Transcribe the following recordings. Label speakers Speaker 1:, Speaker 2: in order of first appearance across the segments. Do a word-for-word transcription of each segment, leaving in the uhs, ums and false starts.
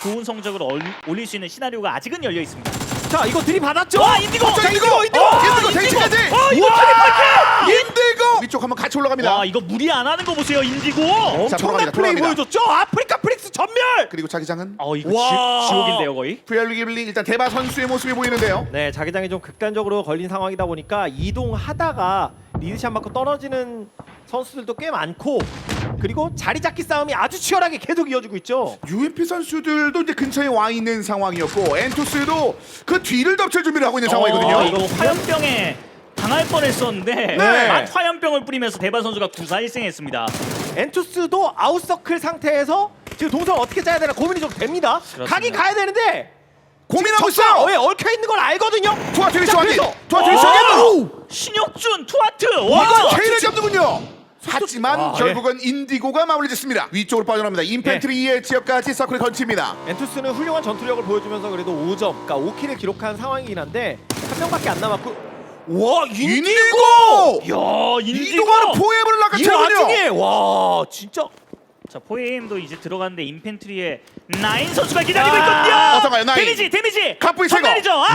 Speaker 1: 좋은 성적을 얼, 올릴 수 있는 시나리오가 아직은 열려 있습니다.
Speaker 2: 자 이거 들이받았죠?
Speaker 1: 와 인디고!
Speaker 3: 자, 인디고!
Speaker 2: 인디고!
Speaker 3: 어, 인디고 대치까지!
Speaker 1: 어 이거
Speaker 2: 우와!
Speaker 1: 트리플
Speaker 3: 인디고! 위쪽 한번 같이 올라갑니다.
Speaker 1: 와 이거 무리 안 하는 거 보세요 인디고.
Speaker 3: 자,
Speaker 2: 엄청난
Speaker 3: 돌아갑니다,
Speaker 2: 플레이
Speaker 3: 돌아갑니다.
Speaker 2: 보여줬죠? 아프리카 프릭스 전멸!
Speaker 3: 그리고 자기장은
Speaker 1: 어 이거
Speaker 2: 와.
Speaker 1: 지, 지옥인데요 거의.
Speaker 3: 프리얼리기블리 일단 대바 선수의 모습이 보이는데요.
Speaker 2: 네, 자기장이 좀 극단적으로 걸린 상황이다 보니까 이동하다가 리드샷 맞고 떨어지는 선수들도 꽤 많고 그리고 자리 잡기 싸움이 아주 치열하게 계속 이어지고 있죠.
Speaker 3: 유엠피 선수들도 이제 근처에 와 있는 상황이었고 엔투스도 그 뒤를 덮칠 준비를 하고 있는 상황이거든요.
Speaker 1: 어, 이거 화염병에 당할 뻔했었는데
Speaker 3: 네.
Speaker 1: 막 화염병을 뿌리면서 대바 선수가 구사일승했습니다.
Speaker 2: 엔투스도 아웃서클 상태에서 지금 동선 어떻게 짜야 되나 고민이 좀 됩니다.
Speaker 1: 그렇습니다.
Speaker 2: 가긴 가야 되는데
Speaker 3: 고민하고
Speaker 2: 적과
Speaker 3: 있어요.
Speaker 2: 왜 얽혀 있는 걸 알거든요.
Speaker 3: 투하트 위치
Speaker 2: 자,
Speaker 3: 확인.
Speaker 2: 그래서-
Speaker 3: 투하트 위치
Speaker 1: 오!
Speaker 3: 확인.
Speaker 1: 신혁준 투하트.
Speaker 3: 와,
Speaker 1: 와
Speaker 3: K를 잡는군요. 하지만
Speaker 2: 와,
Speaker 3: 결국은 인디고가 마무리 짓습니다. 위쪽으로 빠져나옵니다. 인펜트리의 지역까지 서클이 걸칩니다.
Speaker 2: 엔투스는 훌륭한 전투력을 보여주면서 그래도 오 점, 그러니까 오 킬을 기록한 상황이긴 한데 한 명밖에 안 남았고 와 인디고!
Speaker 3: 인디고!
Speaker 1: 야 인디고.
Speaker 3: 이동하는 포엠을
Speaker 2: 이
Speaker 3: 낚아채군요.
Speaker 2: 와중에 와 진짜
Speaker 1: 자 포에임도 이제 들어갔는데 인펜트리에 나인 선수가 기다리고
Speaker 2: 아,
Speaker 1: 있거든요.
Speaker 3: 어떤가요, 나인?
Speaker 1: 데미지 데미지.
Speaker 3: 갑부이 제거.
Speaker 1: 전멸이죠. 아!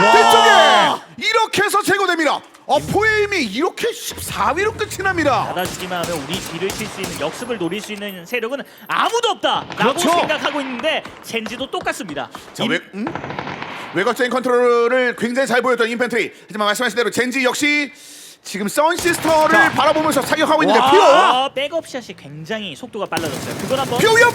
Speaker 3: 뒤쪽에 이렇게 해서 제거됩니다. 어, 포엠이 이렇게 십사 위로 끝이 납니다.
Speaker 1: 받아주기만 하면 우리 뒤를 칠 수 있는 역습을 노릴 수 있는 세력은 아무도 없다라고
Speaker 2: 그렇죠.
Speaker 1: 생각하고 있는데 젠지도 똑같습니다.
Speaker 3: 자,
Speaker 1: 인-
Speaker 3: 외, 음? 외곽적인 컨트롤을 굉장히 잘 보였던 인펜트리. 하지만 말씀하신 대로 젠지 역시 지금 선시스터를
Speaker 2: 자.
Speaker 3: 바라보면서 사격하고 있는데
Speaker 2: 와.
Speaker 3: 피오!
Speaker 1: 아, 백업샷이 굉장히 속도가 빨라졌어요. 그걸 한번
Speaker 3: 피오엽!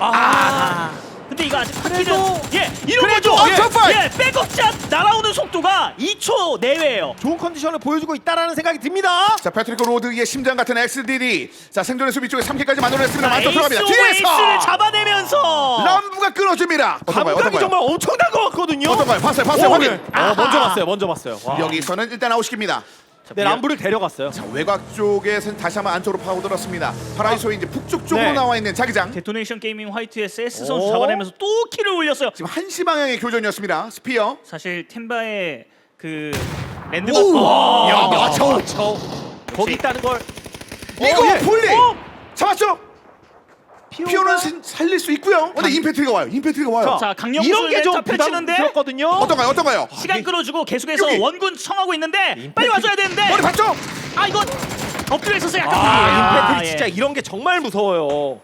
Speaker 1: 아. 근데 이거 아직
Speaker 2: 그래도-
Speaker 1: 파키는 예 이런
Speaker 2: 그래도
Speaker 1: 거죠.
Speaker 3: 어, top five!
Speaker 1: 예, 백업샷 날아오는 속도가 이 초 내외예요.
Speaker 2: 좋은 컨디션을 보여주고 있다라는 생각이 듭니다.
Speaker 3: 자, 패트리크 로드의 심장 같은 엑스디디. 자, 생존의 수비 쪽에 삼 킬까지 만들어냈습니다. 만점
Speaker 1: 에이스
Speaker 3: 들어갑니다.
Speaker 1: 오에이스를
Speaker 3: 뒤에서
Speaker 1: 잡아내면서
Speaker 3: 람부가 끊어줍니다. 어떤가요?
Speaker 2: 감각이
Speaker 3: 어떤가요?
Speaker 2: 정말 엄청난 것 같거든요.
Speaker 3: 어떤가요? 봤어요, 봤어요,
Speaker 2: 오,
Speaker 3: 확인.
Speaker 2: 네.
Speaker 1: 아하.
Speaker 2: 어, 먼저 봤어요, 먼저 봤어요. 와.
Speaker 3: 여기서는 일단 아웃시킵니다.
Speaker 2: 네, 람부를 데려갔어요.
Speaker 3: 자, 외곽 쪽에서 다시 한번 안쪽으로 파고들었습니다. 파라이소의 이제 북쪽 쪽으로
Speaker 2: 네.
Speaker 3: 나와 있는 자기장.
Speaker 1: 데토네이션 게이밍 화이트의 세스
Speaker 2: 오.
Speaker 1: 선수 잡아내면서 또 킬을 올렸어요.
Speaker 3: 지금 한시 방향의 교전이었습니다. 스피어.
Speaker 1: 사실 템바의 그 랜드마크
Speaker 3: 오! 야,
Speaker 1: 와.
Speaker 3: 맞춰.
Speaker 2: 저 거기 있다는 걸
Speaker 3: 이거
Speaker 2: 예.
Speaker 3: 볼리
Speaker 2: 어!
Speaker 3: 잡았죠?
Speaker 2: 피오가
Speaker 3: 피오는 신- 살릴 수 있고요. 근데 임팩트가 와요. 임팩트가 와요.
Speaker 1: 자, 강력
Speaker 2: 이런 게 좀
Speaker 1: 펼치는데
Speaker 2: 부담스럽거든요.
Speaker 3: 어떤가요? 어떤가요?
Speaker 1: 시간 끌어주고 계속해서
Speaker 3: 여기.
Speaker 1: 원군 청하고 있는데
Speaker 2: 임팩트-
Speaker 1: 빨리 와줘야 되는데
Speaker 3: 머리 봤죠?
Speaker 1: 아 이거 엎드려 있어서 약간
Speaker 2: 아, 임팩트
Speaker 1: 예.
Speaker 2: 진짜 이런 게 정말 무서워요.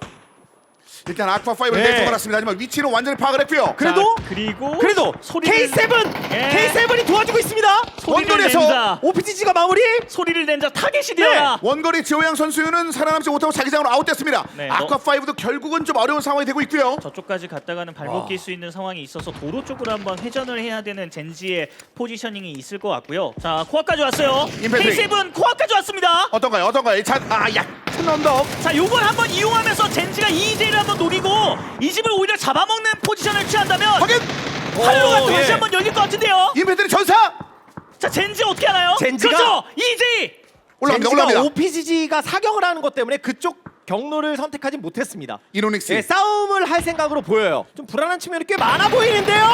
Speaker 3: 일단 아쿠아 파이브를
Speaker 2: 네.
Speaker 3: 내쫓아 놨습니다. 하지만 위치는 완전히 파악을 했고요.
Speaker 2: 그래도
Speaker 1: 자, 그리고
Speaker 2: 그래도
Speaker 1: 소리를-
Speaker 2: 케이 세븐
Speaker 1: 예.
Speaker 2: 케이 세븐이 도와주고 있습니다.
Speaker 1: 소리를
Speaker 3: 원거리에서
Speaker 1: 낸다.
Speaker 2: 오피지지가 마무리.
Speaker 1: 소리를 낸자 타겟이
Speaker 2: 네.
Speaker 1: 되어라.
Speaker 3: 원거리 지호양 선수는 살아남지 못하고 자기장으로 아웃됐습니다.
Speaker 1: 네,
Speaker 3: 아쿠아 파이브도 결국은 좀 어려운 상황이 되고 있고요.
Speaker 1: 저쪽까지 갔다가는 발목 낄 수 있는 상황이 있어서 도로 쪽으로 한번 회전을 해야 되는 젠지의 포지셔닝이 있을 것 같고요. 자 코아까지 왔어요.
Speaker 3: 임팩트.
Speaker 1: 케이 세븐 코아까지 왔습니다.
Speaker 3: 어떤가요? 어떤가요? 자, 아, 얕은 언덕.
Speaker 1: 자 요걸 한번 이용하면서 젠지가 이제이를 한번 노리고 이 집을 오히려 잡아먹는 포지션을 취한다면
Speaker 3: 확인.
Speaker 1: 활로가
Speaker 2: 오,
Speaker 1: 다시
Speaker 2: 예.
Speaker 1: 한번 열릴 것 같은데요.
Speaker 3: 임팩트는 전사.
Speaker 1: 자 젠지 어떻게 하나요?
Speaker 2: 젠지가-
Speaker 1: 그렇죠. 이제이.
Speaker 3: 올라갑니다.
Speaker 2: 젠지가
Speaker 3: 올라갑니다.
Speaker 2: 오피지지가 사격을 하는 것 때문에 그쪽 경로를 선택하지 못했습니다.
Speaker 3: 이노닉스.
Speaker 2: 네, 싸움을 할 생각으로 보여요. 좀 불안한 측면이 꽤 많아 보이는데요.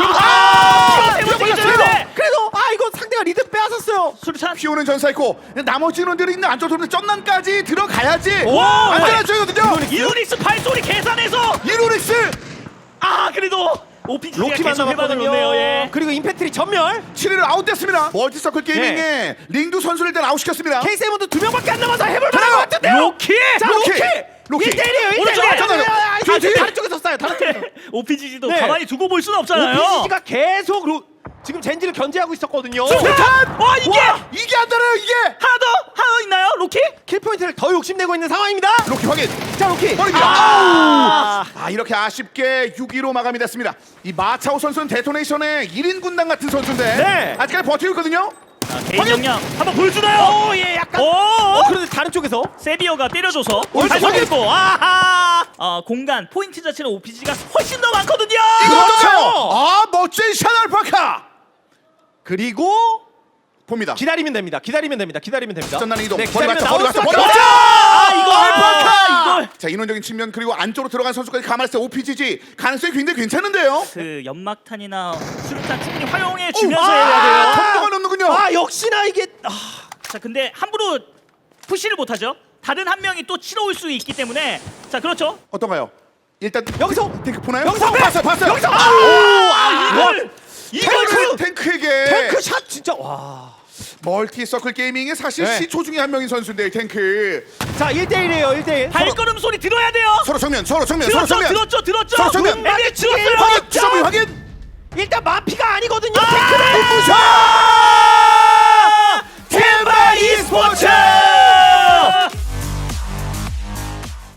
Speaker 1: 아,
Speaker 2: 그리고
Speaker 1: 세븐
Speaker 2: 그래도,
Speaker 1: 세븐
Speaker 2: 그래도 아 이거 상대가 리드 빼앗았어요.
Speaker 1: 수류탄.
Speaker 3: 피오는 전사했고 나머지 인원들이 있는 안쪽 도로 쩐난까지 들어가야지.
Speaker 2: 와,
Speaker 3: 안전한 쪽이거든요.
Speaker 1: 이노닉스 발소리 계산해서
Speaker 3: 이노닉스.
Speaker 1: 아 그래도 오피지가
Speaker 2: 로키만
Speaker 1: 계속 회방을
Speaker 2: 남았거든요.
Speaker 1: 놓네요. 예.
Speaker 2: 그리고 임팩트리 전멸.
Speaker 3: 칠 위를 아웃됐습니다. 멀티서클 게이밍의 링두 선수를 일단 아웃시켰습니다.
Speaker 2: 케이 세븐도 두 명밖에 안 남아서 해볼 만한 것 같은데요.
Speaker 1: 로키.
Speaker 2: 자
Speaker 3: 로키!
Speaker 2: 로키.
Speaker 3: 로키!
Speaker 2: 일 대일이에요. 일
Speaker 1: 오른쪽,
Speaker 2: 대일.
Speaker 3: 잠깐만요.
Speaker 2: 아,
Speaker 3: 뒤에, 뒤에.
Speaker 2: 다른 쪽에서 쏴요. 다른 쪽에서.
Speaker 1: 오피지도
Speaker 2: 네.
Speaker 1: 가만히 두고 볼 수는 없잖아요.
Speaker 2: 오피지지가 계속 로, 지금 젠지를 견제하고 있었거든요.
Speaker 1: 수류탄! 와 이게
Speaker 3: 와, 이게 안 되나요 이게?
Speaker 1: 하나 더 하나 더 있나요, 로키?
Speaker 2: 킬 포인트를 더 욕심내고 있는 상황입니다.
Speaker 3: 로키 확인.
Speaker 2: 자 로키.
Speaker 3: 버립니다.
Speaker 2: 아.
Speaker 3: 아우! 아 이렇게 아쉽게 육 위로 마감이 됐습니다. 이 마차오 선수는 데토네이션의 일 인 군단 같은 선수인데
Speaker 2: 네.
Speaker 3: 아직까지 버티고 있거든요.
Speaker 1: 자, 개인 역량 한번 보여주나요?
Speaker 2: 오예 약간.
Speaker 1: 오!
Speaker 2: 어 그런데 다른 쪽에서
Speaker 1: 세비어가 때려줘서
Speaker 2: 어,
Speaker 1: 다시
Speaker 2: 저기-
Speaker 1: 확인했고 아하 어, 공간 포인트 자체는 오피지가 훨씬 더 많거든요.
Speaker 3: 이거
Speaker 2: 그렇죠.
Speaker 3: 어떡해요? 아 멋진 샤넬파카
Speaker 2: 그리고
Speaker 3: 봅니다.
Speaker 2: 기다리면 됩니다. 기다리면 됩니다. 기다리면 됩니다.
Speaker 3: 전난 이동.
Speaker 2: 네,
Speaker 3: 버리
Speaker 2: 기다리면
Speaker 3: 맞죠?
Speaker 2: 나올
Speaker 3: 버리 맞죠?
Speaker 2: 수밖에
Speaker 3: 버리
Speaker 2: 없죠.
Speaker 3: 맞죠?
Speaker 2: 아 이거
Speaker 3: 알파카!
Speaker 1: 이걸.
Speaker 3: 자 인원적인 측면 그리고 안쪽으로 들어간 선수까지 감안했을 때 오피지지 가능성이 굉장히 괜찮은데요.
Speaker 1: 그 연막탄이나 수류탄 충분히 활용해 주면서
Speaker 3: 아,
Speaker 1: 해야 돼요.
Speaker 3: 통도가 넘는군요.
Speaker 2: 아 역시나 이게 아,
Speaker 1: 자 근데 함부로 푸시를 못하죠. 다른 한 명이 또 치러올 수 있기 때문에 자 그렇죠.
Speaker 3: 어떤가요? 일단
Speaker 2: 여기서!
Speaker 3: 탱크 보나요?
Speaker 2: 여기서!
Speaker 3: 봤어요, 봤어요.
Speaker 2: 여기서!
Speaker 3: 아,
Speaker 2: 아,
Speaker 1: 이걸 이걸
Speaker 3: 탱크,
Speaker 1: 그
Speaker 3: 탱크에게
Speaker 2: 탱크 샷 진짜 와.
Speaker 3: 멀티 서클 게이밍의 사실
Speaker 2: 네.
Speaker 3: 시초 중에 한 명인 선수인데 탱크
Speaker 2: 자, 일 대 일이에요. 일 대 일.
Speaker 1: 발걸음 소리 들어야 돼요.
Speaker 3: 서로 정면, 서로 정면, 서로
Speaker 1: 들었죠,
Speaker 3: 정면.
Speaker 1: 들었죠, 들었죠.
Speaker 3: 서로 정면.
Speaker 1: 에미 들었어요.
Speaker 3: 확인, 주정민 확인.
Speaker 2: 일단 마피가 아니거든요.